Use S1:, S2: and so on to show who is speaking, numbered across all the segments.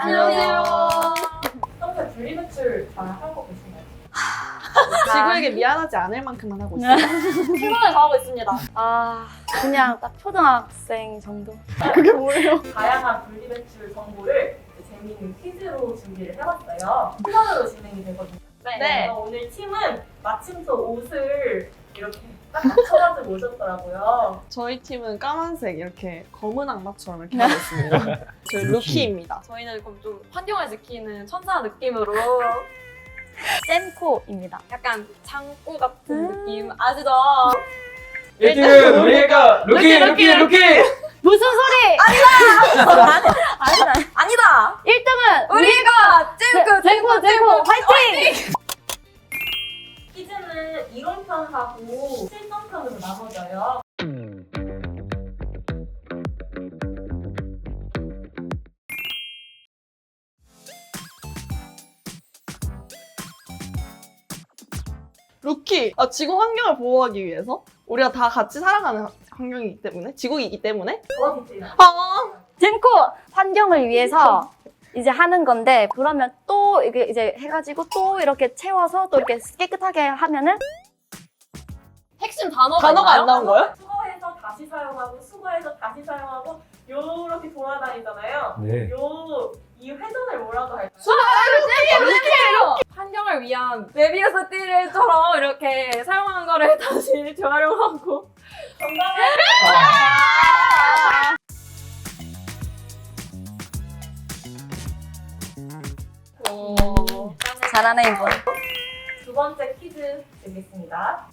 S1: 안녕하세요.
S2: 평소에 분리배출 잘 하고 계신가요?
S3: 지구에게 미안하지 않을 만큼만 하고 있어요.
S1: 최선을 다하고 있습니다.
S4: 그냥 딱 초등학생 정도.
S3: 그게 뭐예요?
S2: 다양한 분리배출 정보를 재미있는 퀴즈로 준비를 해봤어요. 순서대로 진행이 되거든요.
S1: 네.
S2: 그래서 오늘 팀은 마침 또 옷을 이렇게 딱 맞춰가지고 오셨더라고요.
S3: 저희 팀은 까만색 이렇게 검은 악마처럼 이렇게 하고 있습니다. 저희 루키입니다.
S1: 저희는 그럼 좀 환경을 지키는 천사 느낌으로
S4: 쌤코입니다.
S1: 약간 장구 같은 느낌 아시죠?
S5: 1등은 우리가 루키!
S4: 무슨 소리?
S1: 아니다!
S4: 1등은
S1: 우리가
S4: 쌤코 화이팅!
S2: 퀴즈는 이론편하고 실전편으로 나눠져요.
S3: 루키! 지구 환경을 보호하기 위해서 우리가 다 같이 살아가는 환경이기 때문에 지구이기 때문에
S2: 더 디테일하게.
S4: 쌤코 환경을 위해서 이제 하는 건데 그러면 또 이게 이제 해가지고 또 이렇게 채워서 또 이렇게 깨끗하게 하면은
S1: 핵심 단어가
S3: 단어가
S1: 있나요?
S3: 안 나온 거예요?
S2: 수거해서 다시 사용하고 수거해서 다시 사용하고 요렇게 돌아다니잖아요.
S5: 네.
S2: 이 회전을 뭐라고 할까요?
S1: 환경을 위한 메비우스 띠를처럼 이렇게 사용한 거를 다시 재활용하고
S2: 정답은
S4: 잘하네 이거.
S2: 두 번째 퀴즈 드리겠습니다.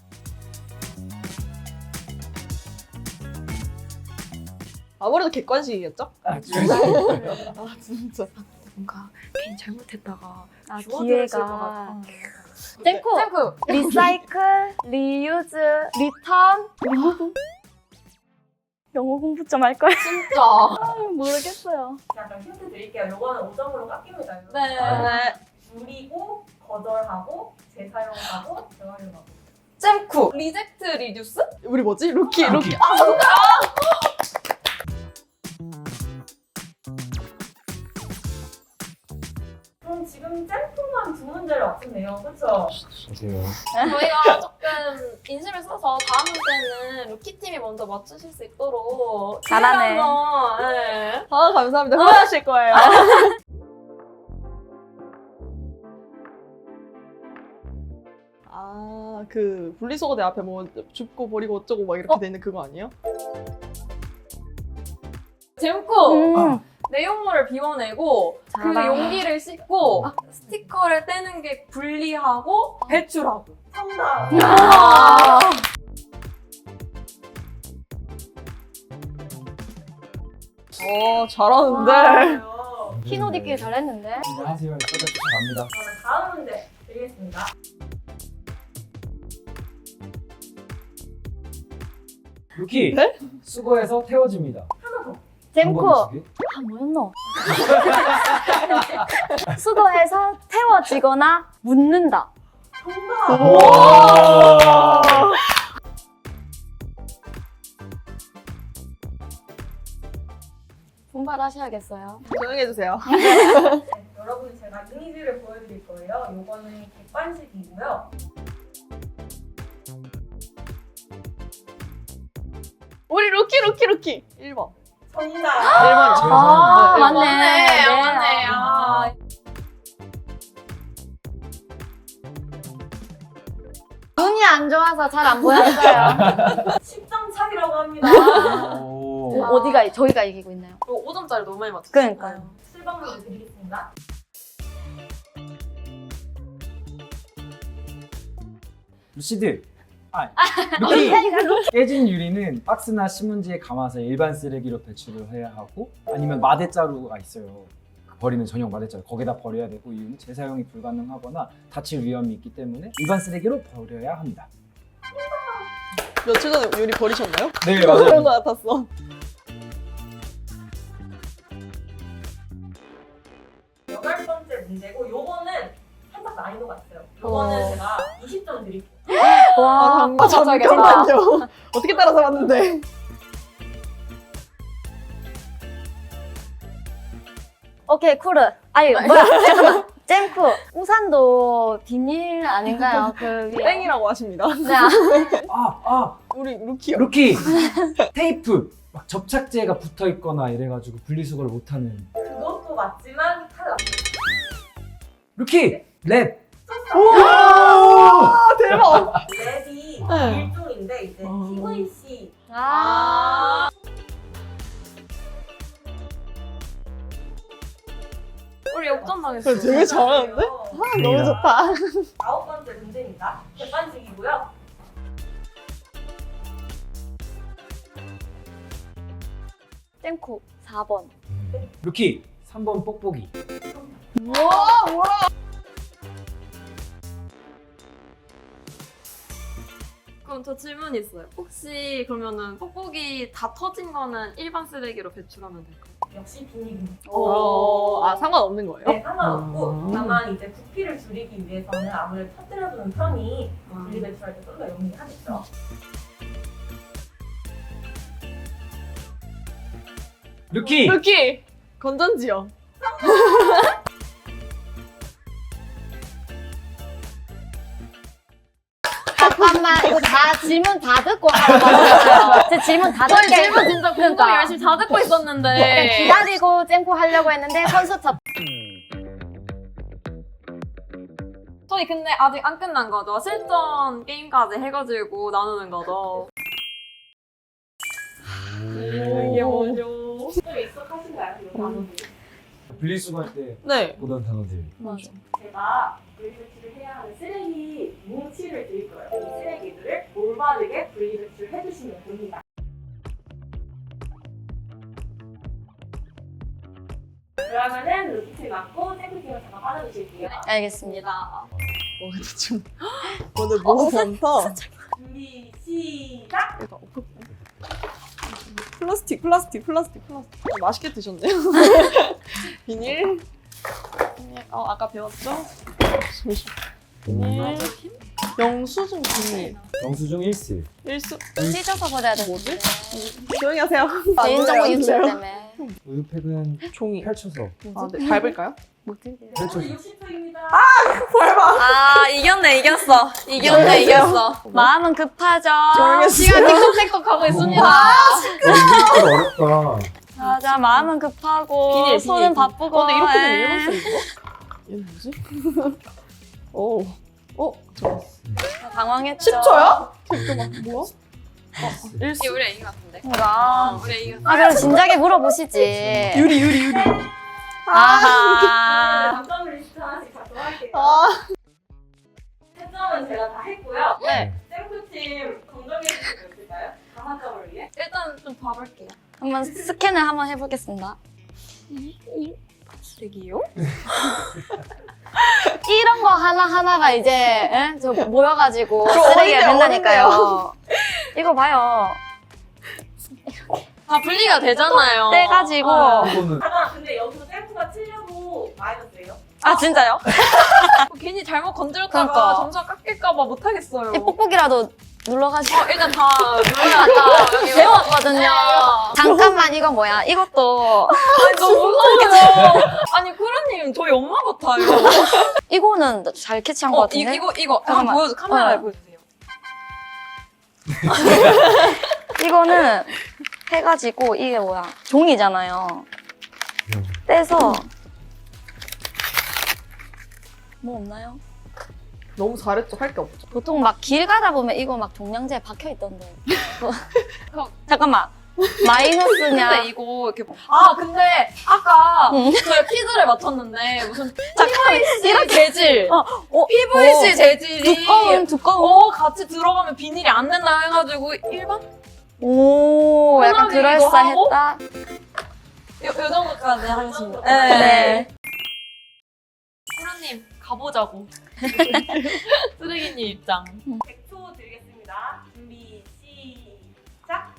S3: 아무래도 객관식이겠죠?
S5: 아,
S3: 진짜.
S1: 뭔가 괜히 잘못했다가
S4: 기회가 쌤코
S1: 쌤코!
S4: 리사이클, 리유즈, 리턴, 리무브. 영어 공부 좀 할 거야.
S1: 진짜
S4: 모르겠어요.
S2: 자, 그럼 힌트 드릴게요. 요거는 5점으로 깎입니다.
S1: 네.
S3: 네.
S2: 줄이고, 거절하고, 재사용하고, 재활용하고.
S1: 쌤코! 리젝트 리듀스?
S3: 우리 뭐지? 루키.
S2: 그럼 지금 짬뽕만 두 문제를 맞췄네요. 그렇죠?
S5: 보세요.
S1: 저희가 조금 인심을 써서 다음 문제는 루키팀이 먼저 맞추실 수 있도록
S4: 잘하네.
S1: 한번, 네.
S3: 감사합니다. 후회하실 거예요. 그 분리수거대 앞에 뭐 줍고 버리고 어쩌고 막 이렇게 돼 있는 그거 아니에요?
S1: 잼코! 내용물을 비워내고 그
S4: 잘한다.
S1: 용기를 씻고 스티커를 떼는 게 분리하고 배출하고.
S2: 정답!
S3: 잘하는데.
S2: 맞아요.
S4: 흰 옷 입기 잘했는데.
S5: 이제 하세요. 갑니다.
S2: 그러면 다음 문제 드리겠습니다.
S5: 루키!
S3: 네?
S5: 수거해서 태워집니다.
S4: 쌤코
S5: 방법이
S4: 뭐였노? 수거해서 태워지거나 묻는다.
S2: 정답!
S5: 오!
S4: 분발하셔야겠어요.
S3: 조용히 해주세요.
S2: 네, 여러분 제가 이미지를 보여드릴 거예요. 요거는 객관식이고요.
S3: 우리 루키. 1번.
S2: 정답!
S3: 1번이요.
S4: 아,
S3: 네,
S4: 맞네.
S1: 맞네. 아.
S4: 눈이 안 좋아서 잘 안 보였어요.
S2: 10점 차이라고 합니다.
S5: 오.
S4: 어디가 저희가 이기고 있나요?
S1: 이거 5점짜리 너무 많이 맞췄어요.
S4: 그러니까요.
S2: 7번 문제 드리겠습니다.
S5: 루시드! 루키! 깨진 유리는 박스나 신문지에 감아서 일반 쓰레기로 배출을 해야 하고 아니면 마대자루가 있어요. 버리는 전용 마대자루 거기다 버려야 되고 이유는 재사용이 불가능하거나 다칠 위험이 있기 때문에 일반 쓰레기로 버려야 합니다.
S3: 며칠 전에 유리 버리셨나요?
S5: 네
S3: 그런 거 같았어.
S2: 여덟 번째 문제고 요거는 살짝 난이도가 있어요. 요거는 제가 20점 드릴게요.
S4: 와,
S3: 잠깐만요. 어떻게 따라서 왔는데?
S4: 오케이, 쿨르. 아니 뭐야 잠깐만 잼쿠 우산도 비닐 아닌가요? 그 위에
S3: 땡이라고 하십니다.
S4: 네.
S3: 우리 루키요.
S5: 루키 테이프 막 접착제가 붙어 있거나 이래가지고 분리수거를 못하는
S2: 그것도 맞지만 탈락.
S5: 루키 랩.
S3: 아, 대박.
S2: 랩이
S3: 네.
S2: 일종인데 이제
S3: 어.
S2: PVC.
S4: 아
S1: 우리 역전당했어.
S3: 되게 잘하는데? 너무 좋다.
S2: 9번째 문제입니다. 객관식이고요.
S4: 잼쿠 4번.
S5: 루키 3번 뽁뽁이.
S1: 그럼 저 질문 있어요. 혹시 그러면은 뽁뽁이 다 터진 거는 일반 쓰레기로 배출하면 될까요?
S2: 역시 비닐입니다.
S3: 아, 상관없는 거예요?
S2: 네, 상관없고
S3: 음.
S2: 다만 이제 부피를 줄이기 위해서는 아무래도 터뜨려두는 편이 분리배출할 때 좀 더 용이하겠죠.
S5: 루키
S3: 루키! 건전지요.
S4: 잠깐만 이거 다 질문 다 듣고 하는 거잖아요. 제 질문 다
S1: 저희
S4: 듣게
S1: 질문 진짜 공부를
S4: 그러니까.
S1: 열심히 다 듣고 있었는데.
S4: 기다리고 잼쿠 하려고 했는데 선수 첫
S1: 저희 근데 아직 안 끝난 거죠? 실전 게임까지 해가지고 나누는 거죠?
S3: 이게 뭐죠?
S2: 좀 익숙하신가요? 이런 단어들?
S5: 분리수거할 때
S3: 네.
S5: 보던 단어들.
S4: 맞아.
S2: 제가 분리배출을 해야 하는 쓰레기 뭉치를 드릴 거예요. 이 쓰레기들을 올바르게 분리배출해 주시면 됩니다. 그러면은 루키팀 맞고 탱크팀을 잠깐 빠져주실게요.
S4: 알겠습니다.
S3: 와, 좀. 오늘 너무 많다.
S2: 준비 시작!
S3: 플라스틱. 맛있게 드셨네요. 비닐. 아까 배웠죠? 비닐. 영수증 비닐.
S5: 영수증 1스.
S3: 일수.
S4: 찢어서 버려야 돼.
S3: 뭐지? 조용히 하세요.
S4: 개인정보
S3: 안
S4: 유출
S3: 돼요.
S4: 때문에.
S5: 우유팩은
S3: 종이.
S5: 펼쳐서.
S3: 아, 네. 밟을까요?
S5: 펼쳐서.
S2: 60초입니다.
S1: 아, 이겼어. 이겼어.
S4: 마음은 급하죠.
S3: 모르겠어요.
S1: 시간 틱톡틱톡 하고 있습니다.
S5: 이거 어렵다.
S4: 맞아, 마음은 급하고
S3: 비닐,
S4: 손은
S3: 비닐.
S4: 바쁘고.
S3: 근데 이렇게 되면
S4: 에.
S3: 일본 쓰는 거? 얘는 뭐지? 오. 저
S4: 당황했죠.
S3: 10초요? 잠깐만, 뭐야?
S1: 이게 우리 애인 같은데.
S4: 뭔가.
S1: 우리 애인
S4: 아, 그럼 진작에 물어보시지.
S3: 유리.
S4: 아하.
S2: 감점 리스트 하나씩 작성할게요.
S3: 아.
S2: 채점은 제가 다 했고요.
S4: 네.
S2: 샘플팀 검정해 주실 수 있을까요? 다사점을 위해.
S1: 일단 좀 봐볼게요.
S4: 한번 스캔을 한번 해보겠습니다.
S1: 쓰레기요?
S4: 이런 거 하나하나가 이제, 에? 저 모여가지고
S3: 그럼
S4: 쓰레기가
S3: 어딘데요?
S4: 된다니까요. 이거 봐요.
S1: 다 분리가 되잖아요.
S4: 떼가지고.
S5: 이거는
S2: 잠깐, 근데 여기서 샘플가 틀려도 마이너스예요?
S4: 아, 진짜요?
S1: 괜히 잘못 건드렸다가
S4: 그러니까.
S1: 점수가 깎일까봐 못하겠어요.
S4: 이 뽁뽁이라도 눌러가지고.
S1: 일단 다 눌러놨다. 여기
S4: 배웠거든요. 잠깐만, 이거 뭐야? 이것도.
S1: 아니, 너무 무서워요. 아니, 쿠루님, 저희 엄마 같아요.
S4: 이거는 잘 캐치한 것 같은데?
S1: 이거. 한번
S4: 잠깐만.
S1: 보여줘. 카메라에
S4: 어.
S1: 보여주세요.
S4: 이거는 해가지고, 이게 뭐야? 종이잖아요. 떼서. 뭐 없나요?
S3: 너무 잘했죠? 할 게 없죠.
S4: 보통 막 길 가다 보면 이거 막 종량제에 박혀 있던데. 잠깐만. 마이너스냐?
S1: 근데 이거 이렇게. 아, 근데 아까
S4: 응.
S1: 저희 퀴즈를 맞췄는데 무슨
S4: 잠깐만.
S1: PVC 재질. PVC 재질이
S4: 두꺼운.
S1: 같이 들어가면 비닐이 안 된다 해가지고 일반?
S4: 오, 약간
S1: 편하게 이거
S4: 그럴싸했다.
S1: 요 정도까지 하겠습니다.
S4: 네.
S1: 쿠루님, 가보자고. 쓰레기님 입장.
S2: 100초 드리겠습니다. 준비 시작!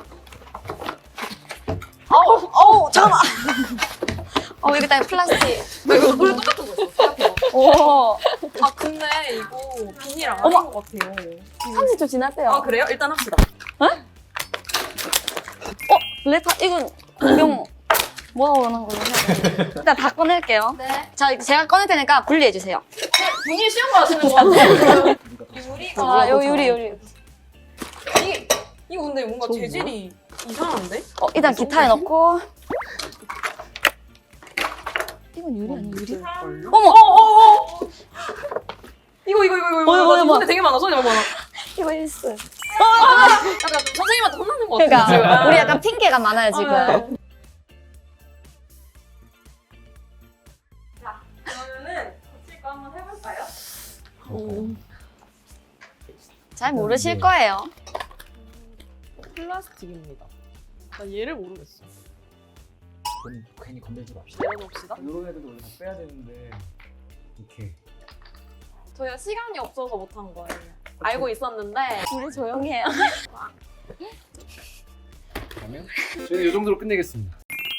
S4: 잠깐만. 여기 다 플라스틱.
S1: 이거 우리 똑같은 거 있어. 생각해봐.
S4: 오.
S1: 아, 근데 이거 비닐 아닌
S4: 어머.
S1: 것 같아요.
S4: 30초 지났대요.
S1: 아, 그래요? 일단 합시다.
S4: 레타, 이건 공룡. 모아오는 걸로 해야 돼. 일단 다 꺼낼게요.
S1: 네.
S4: 자, 제가 꺼낼 테니까 분리해주세요.
S1: 분이 쉬운 거 하시는 거 같아요. 유리가.
S4: 자, 요 유리.
S1: 이거 근데 뭔가
S3: 저기요?
S1: 재질이 이상한데?
S4: 일단 기타에 넣고. 이건 유리 아니야, 유리? 어머!
S1: 이거
S4: 뭐야.
S1: 손에 되게 많아. 손에 많아.
S4: 이거 일스.
S1: 약간 선생님한테 혼나는 거 같아.
S4: 그러니까 우리 약간 핑계가 많아요, 지금.
S2: 자, 그러면은 고칠 거 한번 해볼까요?
S4: 잘 모르실 거예요.
S3: 플라스틱입니다. 나 얘를 모르겠어.
S5: 그건 괜히 건들지 맙시다.
S3: 내려놓읍시다.
S5: 이런 애들도 원래 다 빼야 되는데 이렇게
S1: 저희가 시간이 없어서 못한 거예요. 알고 있었는데.
S4: 우리 조용히 해요.
S5: 그러면 저희는 이 정도로 끝내겠습니다.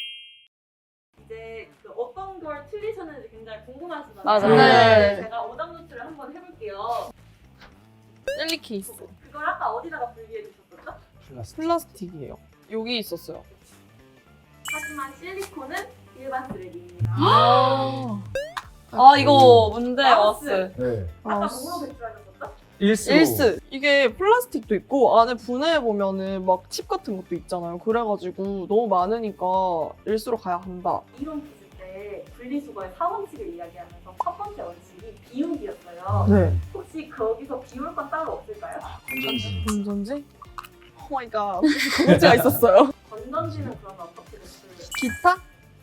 S2: 이제 그 어떤 걸 틀리셨는지 굉장히 궁금하시잖아요.
S4: 맞아요.
S3: 네.
S2: 제가 오답 노트를 한번 해볼게요.
S3: 젤리 케이스.
S2: 그걸 아까 어디다가 분리해 주셨었죠?
S5: 플라스틱.
S3: 플라스틱이에요. 여기 있었어요.
S2: 하지만 실리콘은 일반 쓰레기입니다.
S1: 아, 이거 문제
S2: 마우스.
S1: 왔어요.
S5: 네.
S2: 아까
S3: 아,
S2: 뭐로 배출하셨었죠?
S3: 일스. 이게 플라스틱도 있고 안에 분해해 보면은 막 칩 같은 것도 있잖아요. 그래가지고 너무 많으니까 일수로 가야 한다.
S2: 이론 푸실 때 분리수거의 4원칙을 이야기하면서 첫 번째 원칙이 비우기였어요.
S3: 네.
S2: 혹시 거기서 비울 건 따로 없을까요?
S5: 건전지.
S3: 건전지? 오 마이 갓. 건전지가 있었어요.
S2: 건전지는 그러면 어떻게 배출을?
S3: 기타?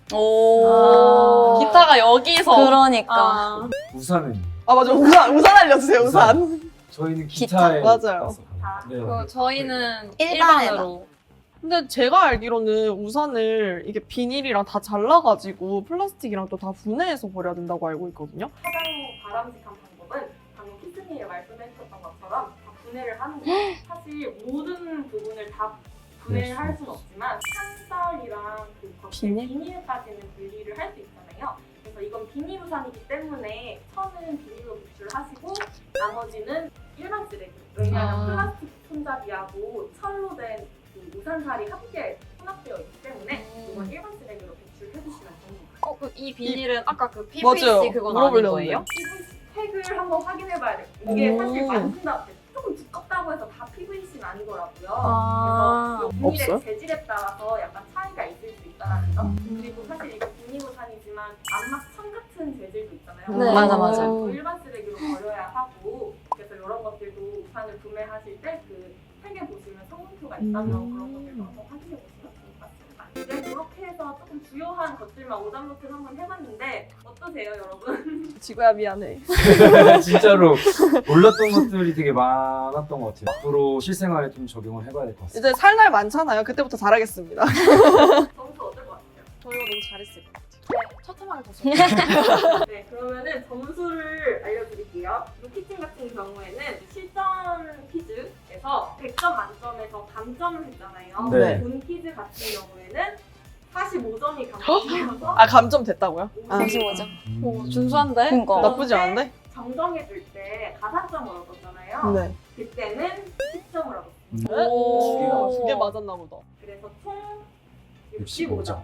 S4: 오.
S1: 기타가 여기서.
S4: 그러니까.
S1: 아.
S5: 우산은
S3: 아 맞아. 우산 알려주세요. 우산.
S5: 저희는
S4: 기타?
S5: 기타에
S3: 맞아요.
S5: 놨어요.
S2: 자,
S5: 네.
S1: 저희는
S4: 일반에만.
S1: 일반으로.
S3: 근데 제가 알기로는 우산을 이게 비닐이랑 다 잘라가지고 플라스틱이랑 또 다 분해해서 버려야 된다고 알고 있거든요.
S2: 가장 바람직한 방법은 방금 키스님이 말씀해주셨던 것처럼 다 분해를 하는 거예요. 사실 모든 부분을 다 분해를 할 수는 없지만 찬살이랑 그 겉에
S3: 비닐?
S2: 비닐까지는 분리를 할 수 있잖아요. 그래서 이건 비닐 우산이기 때문에 천은 비닐로 배출하시고 나머지는 일반 쓰레기. 왜냐하면 플라스틱 손잡이하고 철로 된 그 우산살이 함께 혼합되어 있기 때문에 이건 일반 쓰레기로 배출해주시면 됩니다.
S1: 이 비닐은 아까 그 PVC
S3: 맞아요.
S1: 그건 아닌
S3: 물어보려는데.
S1: 거예요?
S2: 팩을 한번 확인해봐야 돼요. 이게
S3: 오.
S2: 사실 만든다 조금 두껍다고 해서 다 PVC는 아니더라고요.
S1: 아.
S2: 그래서 이 비닐의
S3: 없어요?
S2: 재질에 따라서 약간 차이가 있을 수 있다는 점. 그리고 사실 이거 비닐 우산이지만 안막천 같은 재질도 있잖아요.
S1: 네.
S4: 맞아.
S2: 또 일반 쓰레기로 버려야 하고 그래서 이런 것들도 우산을 구매하실 때 그 팩에 보시면 성분표가 있다면 그런 것들도 한번 확인해 보시면 좋을 것 같습니다. 이제 그렇게 해서 조금 주요한 것들만 오답노트를 한번 해봤는데 어떠세요, 여러분?
S3: 지구야 미안해.
S5: 진짜로 몰랐던 것들이 되게 많았던 것 같아요. 앞으로 실생활에 좀 적용을 해봐야 될 것 같습니다.
S3: 이제 살 날 많잖아요. 그때부터 잘하겠습니다.
S2: 점수 어떨 것 같아요?
S3: 저희가 너무 잘했을 것 같아요.
S1: 첫 해만에 더
S2: 네, 그러면은 점수를 알려드릴게요. 루키팀 같은 경우에는 실전 퀴즈에서 100점 만점에서 감점을 했잖아요.
S5: 네.
S2: 본 퀴즈 같은 경우에는 45점이 감점되어서
S3: 아 감점 됐다고요? 아,
S4: 45점.
S1: 오, 준수한데?
S4: 그러니까.
S3: 나쁘지 않은데?
S2: 정정해줄 때 가산점을 얻었잖아요.
S3: 네.
S2: 그때는 10점을 얻었어요.
S1: 오.
S3: 두 개 맞았나 보다.
S2: 그래서 총
S5: 65점.
S2: 65점.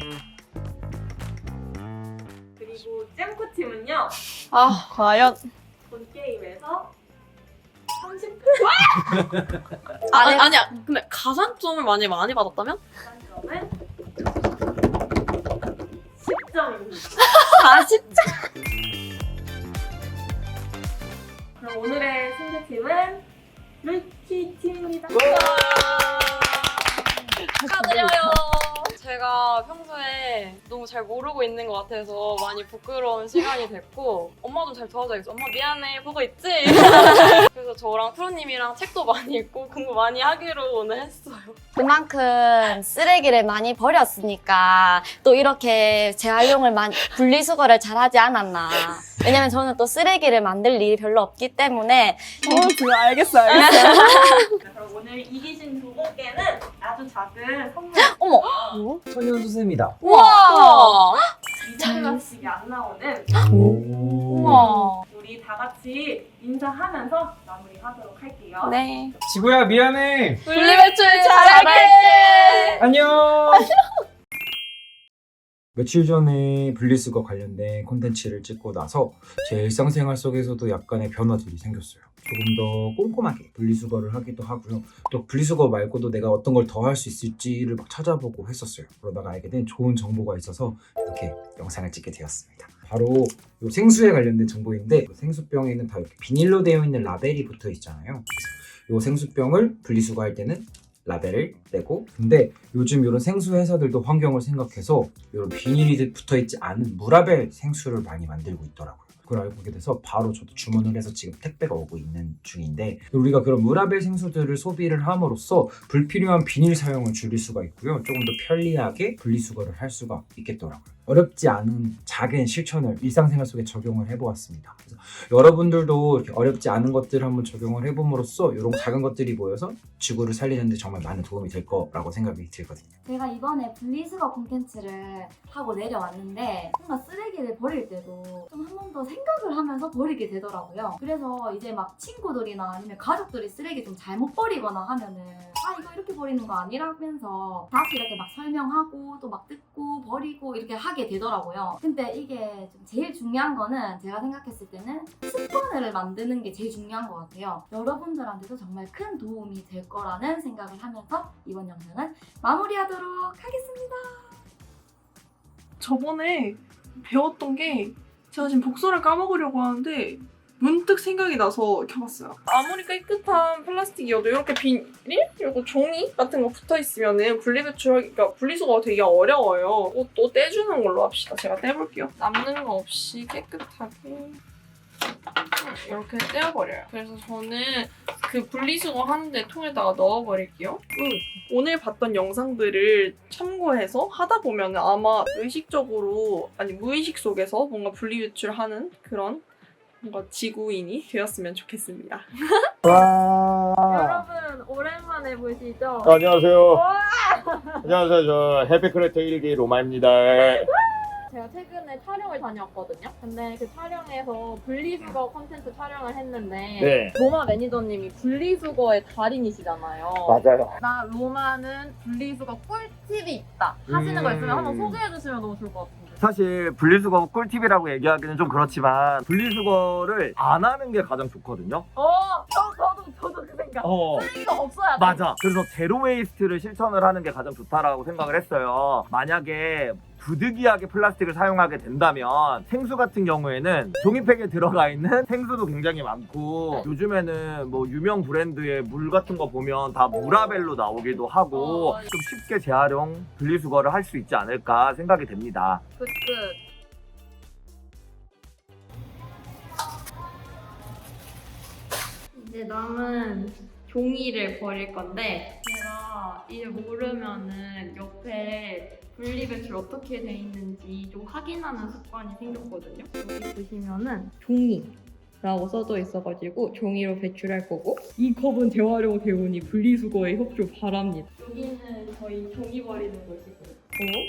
S2: 그리고 잼코 팀은요,
S3: 아 과연
S2: 본 게임에서 30점.
S1: 아니야. 근데 가산점을 많이 받았다면?
S2: 가산점은 10점입니다.
S1: 40점?
S2: 그럼 오늘의 승자팀은 루키 팀입니다.
S1: 축하드려요. 제가 평소에 너무 잘 모르고 있는 것 같아서 많이 부끄러운 시간이 됐고 엄마 좀 잘 도와줘야겠어. 엄마 미안해 보고 있지? 그래서 저랑 프로님이랑 책도 많이 읽고 공부 많이 하기로 오늘 했어요.
S4: 그만큼 쓰레기를 많이 버렸으니까 또 이렇게 재활용을 많이 분리수거를 잘하지 않았나. 왜냐면 저는 또 쓰레기를 만들 일이 별로 없기 때문에
S3: 지금 알겠어.
S2: 그럼 오늘 이기신 두 분께는 아주 작은 선물
S4: 어머.
S5: 천연수세입니다.
S1: 우와!
S2: 이정표식이 안 나오는
S4: 우와.
S2: 우리 다 같이 인사하면서 마무리하도록 할게요.
S4: 네.
S5: 지구야 미안해.
S1: 분리배출 잘할게!
S5: 안녕. 며칠 전에 분리수거 관련된 콘텐츠를 찍고 나서 제 일상생활 속에서도 약간의 변화들이 생겼어요. 조금 더 꼼꼼하게 분리수거를 하기도 하고요. 또 분리수거 말고도 내가 어떤 걸 더 할 수 있을지를 막 찾아보고 했었어요. 그러다가 알게 된 좋은 정보가 있어서 이렇게 영상을 찍게 되었습니다. 바로 이 생수에 관련된 정보인데 생수병에는 다 이렇게 비닐로 되어 있는 라벨이 붙어 있잖아요. 그래서 이 생수병을 분리수거할 때는 라벨을 떼고, 근데 요즘 이런 생수 회사들도 환경을 생각해서 이런 비닐이 붙어있지 않은 무라벨 생수를 많이 만들고 있더라고요. 그걸 알고 보게 돼서 바로 저도 주문을 해서 지금 택배가 오고 있는 중인데, 우리가 그런 무라벨 생수들을 소비를 함으로써 불필요한 비닐 사용을 줄일 수가 있고요. 조금 더 편리하게 분리수거를 할 수가 있겠더라고요. 어렵지 않은 작은 실천을 일상생활 속에 적용을 해보았습니다. 그래서 여러분들도 이렇게 어렵지 않은 것들을 한번 적용을 해봄으로써 이런 작은 것들이 모여서 지구를 살리는 데 정말 많은 도움이 될 거라고 생각이 들거든요.
S4: 제가 이번에 분리수거 콘텐츠를 하고 내려왔는데 뭔가 쓰레기를 버릴 때도 좀 한 번 더 생각을 하면서 버리게 되더라고요. 그래서 이제 막 친구들이나 아니면 가족들이 쓰레기 좀 잘못 버리거나 하면은 이거 이렇게 버리는 거 아니라면서 다시 이렇게 막 설명하고 또 막 듣고 버리고 이렇게 하게 되더라고요. 근데 이게 좀 제일 중요한 거는 제가 생각했을 때는 습관을 만드는 게 제일 중요한 것 같아요. 여러분들한테도 정말 큰 도움이 될 거라는 생각을 하면서 이번 영상은 마무리하도록 하겠습니다.
S3: 저번에 배웠던 게 제가 지금 복선을 까먹으려고 하는데 문득 생각이 나서 켜봤어요. 아무리 깨끗한 플라스틱이어도 이렇게 비닐? 그리고 종이 같은 거 붙어있으면 분리배출하기가 분리수거가 되게 어려워요. 이것도 떼주는 걸로 합시다. 제가 떼볼게요. 남는 거 없이 깨끗하게 이렇게 떼어버려요. 그래서 저는 그 분리수거 하는데 통에다가 넣어버릴게요. 오늘 봤던 영상들을 참고해서 하다 보면 아마 의식적으로, 아니 무의식 속에서 뭔가 분리배출하는 그런 뭔가 지구인이 되었으면 좋겠습니다.
S1: 여러분 오랜만에 보시죠?
S6: 안녕하세요. 안녕하세요. 저 해피크래터 1기 로마입니다.
S1: 제가 최근에 촬영을 다녀왔거든요. 근데 그 촬영에서 분리수거 콘텐츠 촬영을 했는데
S6: 네.
S1: 로마 매니저님이 분리수거의 달인이시잖아요.
S6: 맞아요.
S1: 나 로마는 분리수거 꿀팁이 있다 하시는 거 있으면 한번 소개해 주시면 너무 좋을 것 같은데.
S6: 사실 분리수거 꿀팁이라고 얘기하기는 좀 그렇지만 분리수거를 안 하는 게 가장 좋거든요.
S1: 저도 그 생각. 쓰레기가 없어야 돼.
S6: 맞아. 그래서 제로 웨이스트를 실천을 하는 게 가장 좋다라고 생각을 했어요. 만약에 부득이하게 플라스틱을 사용하게 된다면 생수 같은 경우에는 종이팩에 들어가 있는 생수도 굉장히 많고, 요즘에는 뭐 유명 브랜드의 물 같은 거 보면 다 무라벨로 나오기도 하고 좀 쉽게 재활용 분리수거를 할 수 있지 않을까 생각이 됩니다.
S1: 끝. 이제 남은 종이를 버릴 건데 제가 이제 모르면은 옆에 분리배출 어떻게 돼 있는지 좀 확인하는 습관이 생겼거든요. 여기 보시면은 종이라고 써져 있어가지고 종이로 배출할 거고, 이 컵은 재활용 대우니 분리수거에 협조 바랍니다. 여기는 저희 종이 버리는 곳이고요.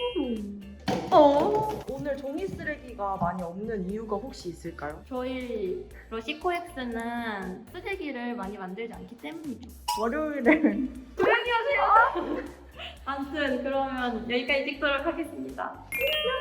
S3: 오늘 종이 쓰레기가 많이 없는 이유가 혹시 있을까요?
S1: 저희 러시코엑스는 쓰레기를 많이 만들지 않기 때문이죠.
S3: 월요일에
S1: 조용히 하세요. 아무튼 그러면 여기까지 찍도록 하겠습니다.